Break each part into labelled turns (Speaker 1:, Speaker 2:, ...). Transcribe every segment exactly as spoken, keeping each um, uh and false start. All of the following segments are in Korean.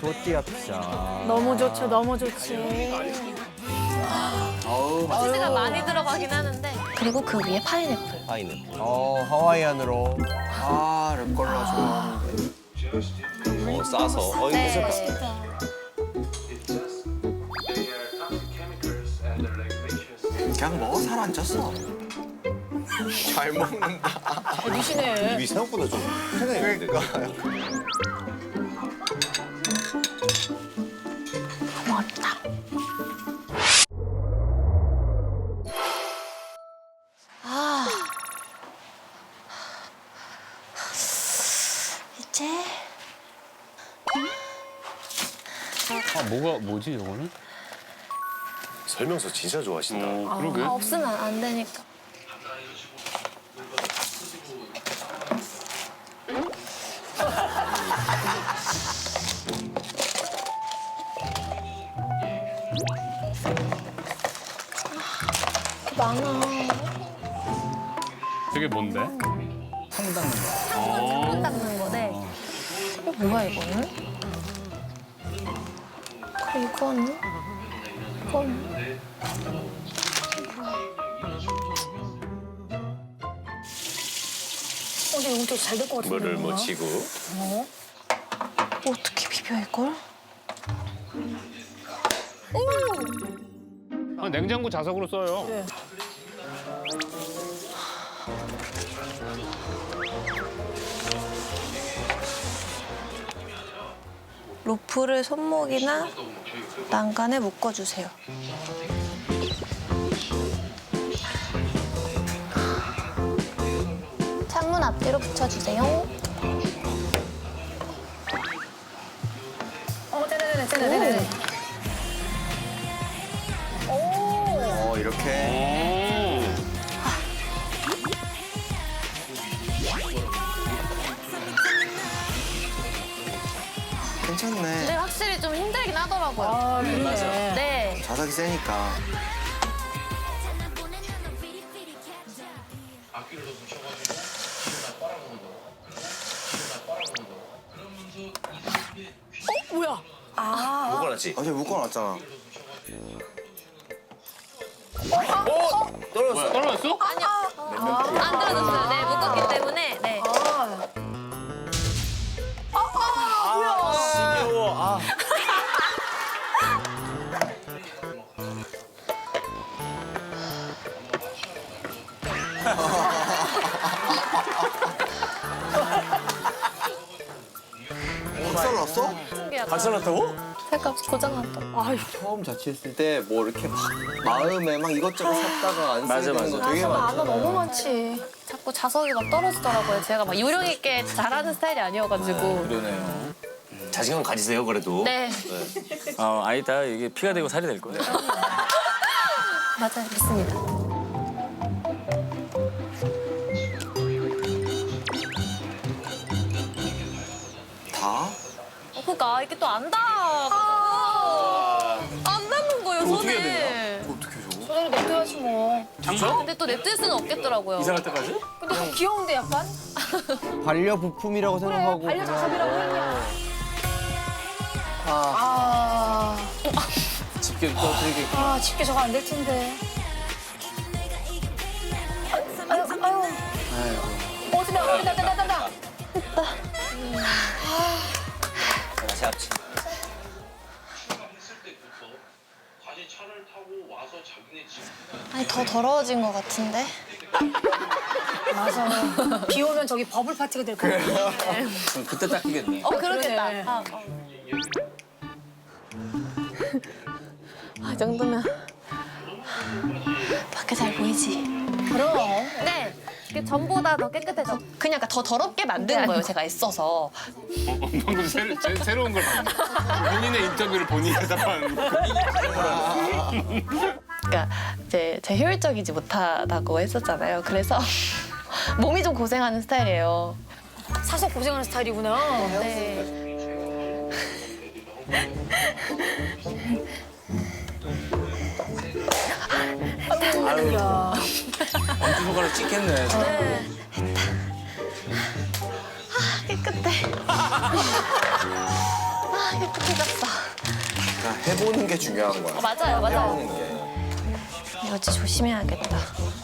Speaker 1: 토띠아 피자.
Speaker 2: 너무 좋죠, 너무 좋지.
Speaker 1: 어우,
Speaker 3: 치즈가 많이 들어가긴 하는데. 그리고 그 위에 파인애플.
Speaker 1: 파인애플. 어, 하와이안으로.
Speaker 4: 아, 랩걸라 좋아하는데.
Speaker 1: 어, 싸서. 어, 이거
Speaker 3: 네.
Speaker 1: 괜찮다.
Speaker 4: 그냥 먹어, 살 안 쪘어. 잘 먹는다.
Speaker 2: 미시네.
Speaker 1: 입이 생각보다 좀 편해.
Speaker 3: 고맙다. 아. 이제.
Speaker 5: 아, 뭐가, 뭐지, 저거는?
Speaker 1: 설명서 진짜 좋아하신다.
Speaker 5: 어, 그러게.
Speaker 3: 아, 없으면 안 되니까. 많아.
Speaker 5: 저게 뭔데?
Speaker 3: 손 닦는 거네. 이거 뭐야 이거는? 그리고 이거는? 이거는?
Speaker 2: 어, 근데 이거 잘 될 것 같은데.
Speaker 1: 물을
Speaker 2: 뭔가?
Speaker 1: 묻히고.
Speaker 2: 어?
Speaker 3: 어떻게 비벼 이걸?
Speaker 5: 아, 냉장고 자석으로 써요.
Speaker 2: 네.
Speaker 3: 로프를 손목이나 난간에 묶어주세요. 창문 앞뒤로 붙여주세요.
Speaker 2: 어, 네네네, 네네네.
Speaker 4: 어, 이렇게.
Speaker 5: 오.
Speaker 4: 괜찮네.
Speaker 3: 근데 확실히 좀 힘들긴 하더라고요.
Speaker 2: 아, 그러네.
Speaker 3: 네.
Speaker 4: 자석이 세니까.
Speaker 2: 뭐야? 아,
Speaker 1: 묶어놨지?
Speaker 4: 어제 묶어놨잖아.
Speaker 1: 떨어졌어.
Speaker 5: 떨어졌어?
Speaker 3: 아니요. 안 들어졌어요. 네, 묶었기 때문에. 네.
Speaker 1: 귀여워. 아.
Speaker 4: 박살 났어?
Speaker 3: 신기하다.
Speaker 1: 박살났다고?
Speaker 3: 색깔 고장났다.
Speaker 2: 아유.
Speaker 4: 처음 자취했을 때 뭐 이렇게 막 마음에 막 이것저것 샀다가 안 쓰게 되는 거 되게
Speaker 3: 만화
Speaker 4: 많잖아.
Speaker 3: 너무 많지. 자꾸 자석이 막 떨어지더라고요. 제가 막 요령 있게 잘하는 스타일이 아니어가지고.
Speaker 6: 그러네요.
Speaker 1: 자신감 가지세요, 그래도.
Speaker 3: 네.
Speaker 6: 아, 아이다 이게 피가 되고 살이 될 거예요.
Speaker 3: 맞아요. 믿습니다.
Speaker 4: 다?
Speaker 3: 어, 그러니까 이게 또 안 닿아. 안 닿는 거예요,
Speaker 6: 그럼 어떻게 해야
Speaker 3: 손에.
Speaker 4: 어떻게 저거?
Speaker 2: 소장님 냅둬야지 뭐.
Speaker 6: 장소?
Speaker 3: 근데 또 냅둘 수는 없겠더라고요.
Speaker 6: 이사 갈 때까지?
Speaker 2: 근데 좀 귀여운데 약간?
Speaker 1: 반려 부품이라고
Speaker 2: 그래,
Speaker 1: 생각하고.
Speaker 2: 반려 자석이라고 했냐.
Speaker 4: 아,
Speaker 2: 아,
Speaker 6: 집게 떠드리게.
Speaker 2: 아, 집게 저거 안 될 텐데. 아유, 아유.
Speaker 6: 아이고.
Speaker 2: 어, 된다, 된다, 된다, 된다.
Speaker 1: 다시 합치.
Speaker 3: 아니, 더 더러워진 것 같은데?
Speaker 2: 맞아. 비 오면 저기 버블 파티가 될 거야.
Speaker 6: 그럼 그때 닦이겠네.
Speaker 3: 어, 그러겠다.
Speaker 2: 그러네.
Speaker 3: 아, 어. 아, 이 정도면 밖에 잘 보이지?
Speaker 2: 그럼.
Speaker 3: 네. 이게 전보다 더 깨끗해져. 그냥 더 더럽게 만든 거예요, 제가 애써서.
Speaker 5: 어, 방금 새, 새, 새로운 걸 봤네. 본인의 인터뷰를 본인이 대답하는 거.
Speaker 3: 그러니까 이제 제 효율적이지 못하다고 했었잖아요. 그래서 몸이 좀 고생하는 스타일이에요.
Speaker 2: 사서 고생하는 스타일이구나.
Speaker 3: 네.
Speaker 2: 야.
Speaker 6: 엄지손가락 찍겠네.
Speaker 3: 네. 아, 깨끗해. 아, 깨끗해졌어.
Speaker 4: 그러니까 해보는 게 중요한 거야.
Speaker 3: 어, 맞아요, 맞아요.
Speaker 4: 해보는 게.
Speaker 3: 이거 진짜 조심해야겠다.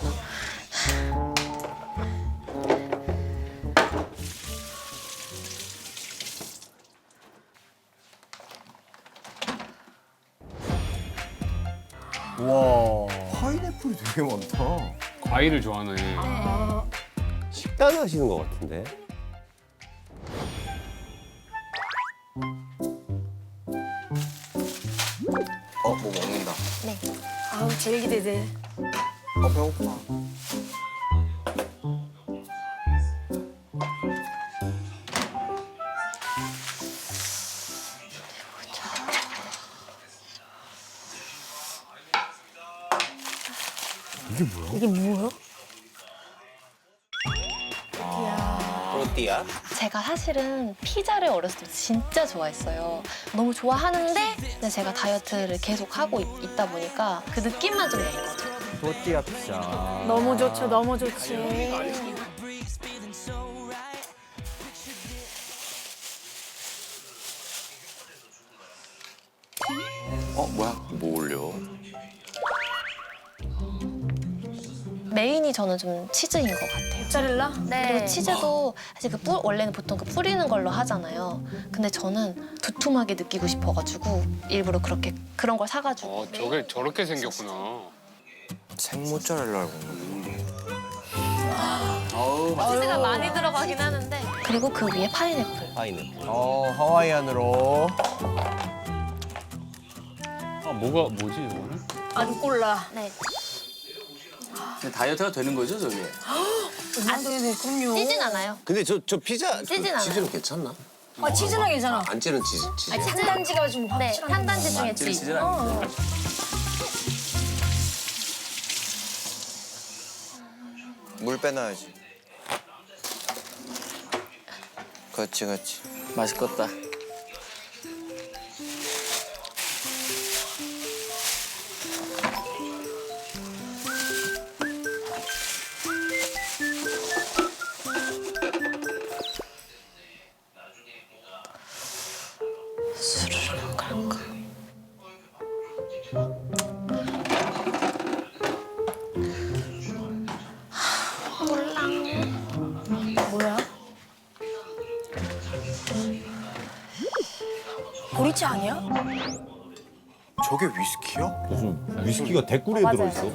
Speaker 4: 파인애플이 되게 많다.
Speaker 5: 과일을 좋아하네.
Speaker 1: 식단 하시는 것 같은데.
Speaker 4: 어, 뭐 먹는다.
Speaker 2: 아우 제일 기대돼.
Speaker 4: 어, 배고파.
Speaker 2: 이게 뭐야?
Speaker 1: 프로띠아.
Speaker 3: 제가 사실은 피자를 어렸을 때 진짜 좋아했어요. 너무 좋아하는데 근데 제가 다이어트를 계속 하고 있, 있다 보니까 그 느낌만 좀 내는 거죠.
Speaker 1: 프로띠아 피자.
Speaker 2: 너무 좋죠, 너무 좋지.
Speaker 4: 어, 뭐야? 뭐 올려?
Speaker 3: 메인이 저는 좀 치즈인 것 같아요.
Speaker 2: 모짜렐라?
Speaker 3: 그리고 치즈도 사실 그 뿌, 원래는 보통 그 뿌리는 걸로 하잖아요. 근데 저는 두툼하게 느끼고 싶어가지고 일부러 그렇게 그런 걸 사가지고.
Speaker 5: 어, 저게 저렇게 생겼구나.
Speaker 4: 생모짜렐라 알고 있는데.
Speaker 6: 어우,
Speaker 3: 치즈가 많이 들어가긴 하는데. 그리고 그 위에 파인애플.
Speaker 1: 파인애플.
Speaker 4: 어, 하와이안으로.
Speaker 5: 아, 뭐가 뭐지 이거는?
Speaker 2: 아루꼴라.
Speaker 3: 네.
Speaker 6: 근데 다이어트가 되는 거죠, 저게?
Speaker 2: 안 되네, 그럼요.
Speaker 3: 찌진 않아요.
Speaker 1: 근데 저 저 피자
Speaker 3: 찌진
Speaker 1: 그
Speaker 3: 않아요.
Speaker 1: 치즈는 괜찮나?
Speaker 2: 아, 치즈는 괜찮아.
Speaker 1: 안 찌는 치즈. 치즈.
Speaker 2: 탄단지가 좀
Speaker 3: 네,
Speaker 2: 확실한
Speaker 3: 탄단지 중에
Speaker 6: 찌는
Speaker 3: 찌.
Speaker 6: 치즈는 아니고.
Speaker 4: 물 빼놔야지. 그렇지, 그렇지.
Speaker 6: 맛있겠다.
Speaker 3: 술을 그런가.
Speaker 2: 뭐야? 보리차 아니야?
Speaker 4: 저게 위스키야?
Speaker 7: 무슨 위스키가 대꾸리에
Speaker 2: 맞아요.
Speaker 7: 들어있어?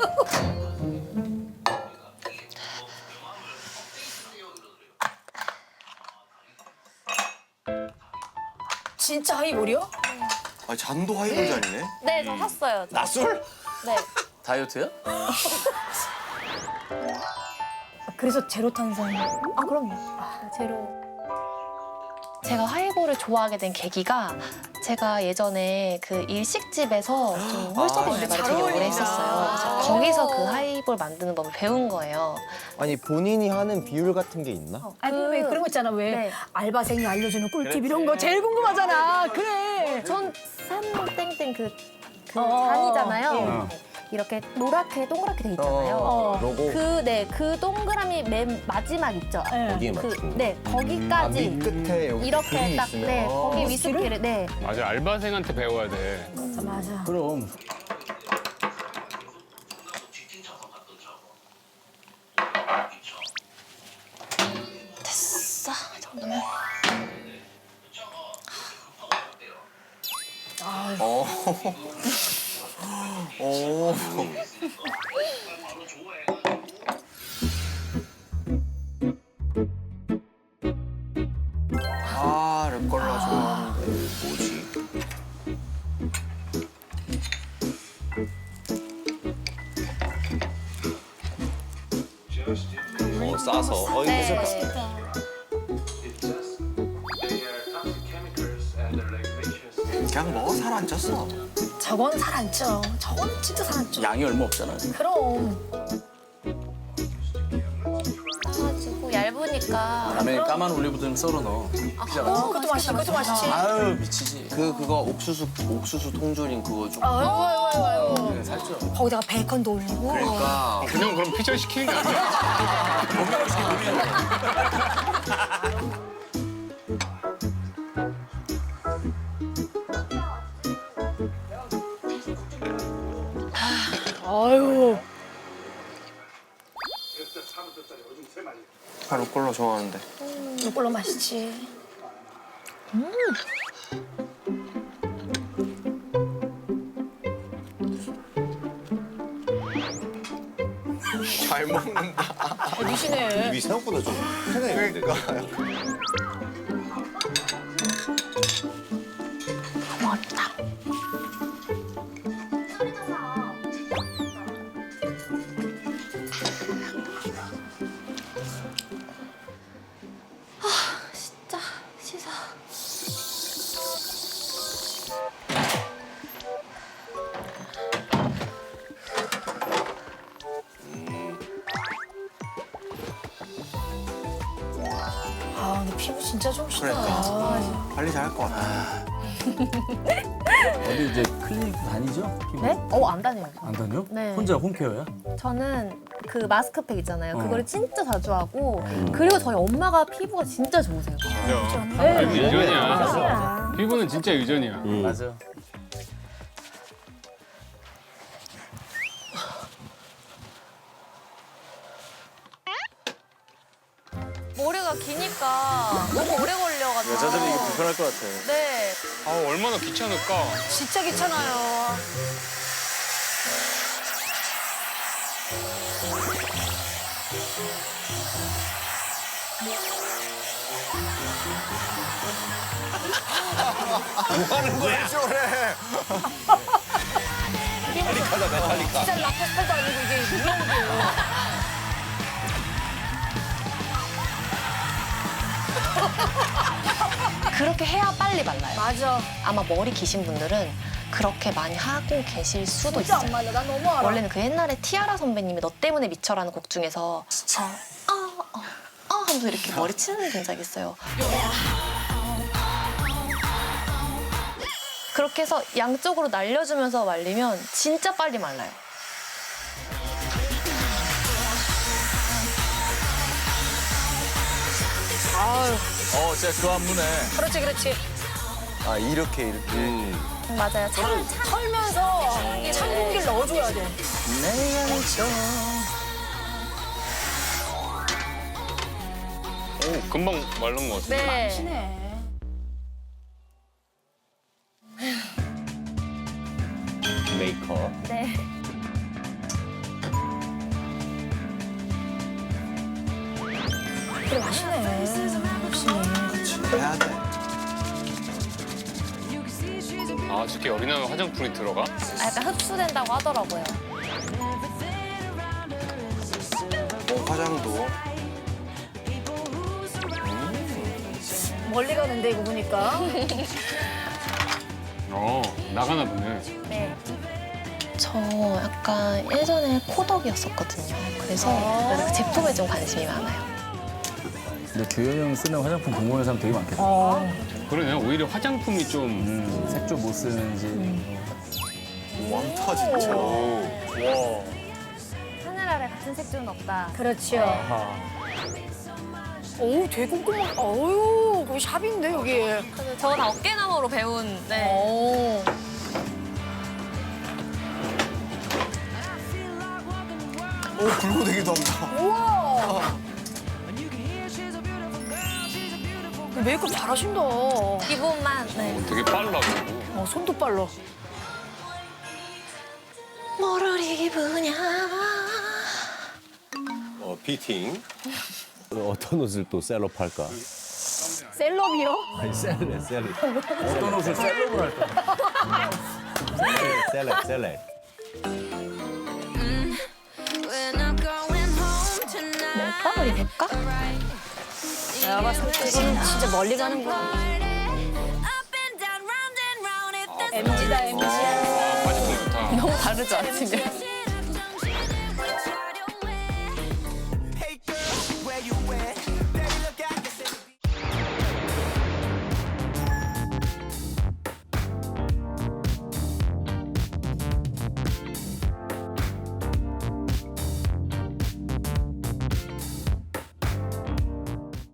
Speaker 2: 진짜 하이볼이요?
Speaker 4: 아, 잔도 하이볼 잔이네.
Speaker 3: 네, 저 샀어요. 저.
Speaker 1: 낮술?
Speaker 3: 네.
Speaker 6: 다이어트야?
Speaker 2: 아, 그래서 제로 탄산.
Speaker 3: 아, 그럼요. 아, 제로. 제가 하이볼을 좋아하게 된 계기가 제가 예전에 그 일식집에서 좀 홀서빙
Speaker 4: 아,
Speaker 3: 알바를
Speaker 2: 잘
Speaker 3: 되게 오래
Speaker 2: 어울린다.
Speaker 3: 했었어요. 그래서 거기서 그 하이볼 만드는 법을 배운 거예요.
Speaker 1: 아니 본인이 하는 비율 같은 게 있나?
Speaker 2: 아니 왜 그런 거 있잖아 왜
Speaker 3: 네.
Speaker 2: 알바생이 알려주는 꿀팁 이런 거 제일 궁금하잖아. 그래.
Speaker 3: 전 삼땡땡 그, 그
Speaker 2: 어.
Speaker 3: 잔이잖아요. 이렇게 노랗게 동그랗게 돼 있잖아요.
Speaker 2: 어.
Speaker 1: 로고.
Speaker 3: 그, 네, 그 동그라미 맨 마지막 있죠?
Speaker 2: 네.
Speaker 1: 거기에
Speaker 3: 그,
Speaker 1: 맞추는 거.
Speaker 3: 네, 거기까지
Speaker 4: 밑 끝에 여기
Speaker 3: 이렇게
Speaker 4: 글이
Speaker 3: 딱,
Speaker 4: 있으면.
Speaker 3: 네,
Speaker 4: 어.
Speaker 3: 거기 위스키를, 네.
Speaker 5: 맞아, 알바생한테 배워야 돼.
Speaker 2: 맞아 맞아.
Speaker 6: 그럼.
Speaker 3: 됐어, 이 정도면.
Speaker 4: 어. 오. 아, 르꼴라 좋아하는데. 뭐지?
Speaker 1: 어 싸서. 어 이거
Speaker 3: 네.
Speaker 1: 괜찮다.
Speaker 4: 그냥 먹어, 살 안 쪘어.
Speaker 2: 저건 살 안 쪄. 저건 진짜 살 안 쪄.
Speaker 6: 양이 얼마 없잖아.
Speaker 2: 그럼.
Speaker 3: 그래가지고 얇으니까.
Speaker 6: 다음에 까만 올리브든 썰어 넣어. 피자가.
Speaker 2: 어, 그것도 맛있지. 그것도 맛있지.
Speaker 6: 아유, 미치지.
Speaker 4: 그, 그거 옥수수, 옥수수 통조림 그거 좀.
Speaker 2: 아이고 아이고 아이고 아이고.
Speaker 6: 네, 살쪄.
Speaker 2: 거기다가 베이컨도 올리고.
Speaker 4: 그러니까.
Speaker 5: 그냥 그럼 피자 시키는 게 아니야.
Speaker 2: 아유.
Speaker 4: 아, 루꼴라 좋아하는데.
Speaker 2: 이걸로 맛있지.
Speaker 4: 잘 먹는다.
Speaker 2: 잘 드시네.
Speaker 1: 입이 생각보다 좀 크네.
Speaker 4: 그러니까.
Speaker 3: 너무 어렵다. 아, 진짜 씻어.
Speaker 2: 아, 근데 피부 진짜 좋으시다.
Speaker 4: 그래. 관리 잘할 것 같아.
Speaker 7: 어디 이제 클리닉 다니죠? 피부?
Speaker 3: 네? 어, 안 다녀요.
Speaker 7: 안 다녀?
Speaker 3: 네.
Speaker 7: 혼자 홈케어야?
Speaker 3: 저는 그 마스크팩 있잖아요.
Speaker 7: 어.
Speaker 3: 그거를 진짜 자주 하고 그리고 저희 엄마가 피부가 진짜 좋으세요.
Speaker 5: 네. 아니, 유전이야. 피부는 진짜 유전이야.
Speaker 6: 맞아.
Speaker 3: 머리가 기니까 너무 오래 걸려가지고.
Speaker 6: 여자들은 이게 불편할 것 같아.
Speaker 3: 네.
Speaker 5: 아, 얼마나 귀찮을까.
Speaker 2: 진짜 귀찮아요.
Speaker 1: 메탈리카다 메탈리카.
Speaker 2: 진짜 라파스타도 아니고 이게 무서운 게요.
Speaker 3: 그렇게 해야 빨리 말라요.
Speaker 2: 맞아.
Speaker 3: 아마 머리 기신 분들은 그렇게 많이 하고 계실 수도
Speaker 2: 진짜 안
Speaker 3: 있어요.
Speaker 2: 말라. 난 너무 알아.
Speaker 3: 원래는 그 옛날에 티아라 선배님이 너 때문에 미쳐라는 곡 중에서 어, 어, 어, 어 하면서 이렇게 머리 치는 동작이 있어요. 그렇게 해서 양쪽으로 날려주면서 말리면 진짜 빨리 말라요.
Speaker 2: 아유,
Speaker 6: 어, 진짜 그 안무네.
Speaker 2: 그렇지, 그렇지.
Speaker 4: 아, 이렇게, 이렇게.
Speaker 3: 맞아요. 참, 참.
Speaker 2: 털면서 찬 공기를 넣어줘야 돼.
Speaker 5: 오, 금방 마른 것 같아.
Speaker 3: 네.
Speaker 2: 치네.
Speaker 1: 메이크업.
Speaker 3: 네.
Speaker 2: 그래, 맛있네. 열심히.
Speaker 4: 해야 돼.
Speaker 5: 아, 저렇게 열이 나면 화장품이 들어가?
Speaker 3: 아, 약간 흡수된다고 하더라고요.
Speaker 4: 뭐 화장도.
Speaker 2: 멀리 가는데, 이거 보니까.
Speaker 5: 어, 나가나 보네.
Speaker 3: 네. 저 약간 예전에 코덕이었었거든요. 그래서
Speaker 2: 아.
Speaker 3: 제품에 좀 관심이 많아요.
Speaker 7: 근데 규현이 형 쓰는 화장품 궁금한 사람 되게 많겠다.
Speaker 2: 어.
Speaker 5: 그러네. 오히려 화장품이 좀.
Speaker 7: 음, 색조 뭐 쓰는지.
Speaker 4: 많다, 진짜.
Speaker 3: 하늘 아래 같은 색조는 없다.
Speaker 2: 그렇죠. 어우, 되게 꼼꼼하게. 어우, 거기 샵인데, 여기.
Speaker 3: 저거 다 어깨너머로 배운. 네.
Speaker 2: 오.
Speaker 4: 오, 굴고데기도 한다.
Speaker 2: 우와. 메이크업 잘하신다. 어,
Speaker 3: 기분만. 네.
Speaker 5: 되게 빨라. 그리고.
Speaker 2: 손도 빨라.
Speaker 3: 뭐를 입으냐.
Speaker 1: 어 피팅. 어떤 옷을 또 셀럽할까?
Speaker 2: 셀럽이요?
Speaker 1: 아니 셀럽 셀럽.
Speaker 7: 어떤 옷을 셀럽을 할까?
Speaker 1: 셀럽 셀럽.
Speaker 3: 멜빵을 입을까?
Speaker 2: 내가 봤을 때 이거는 진짜 멀리 가는 거야. 엠지다, 엠지야.
Speaker 5: 아, 화장품 좋다.
Speaker 3: 너무 다르죠, 아침에.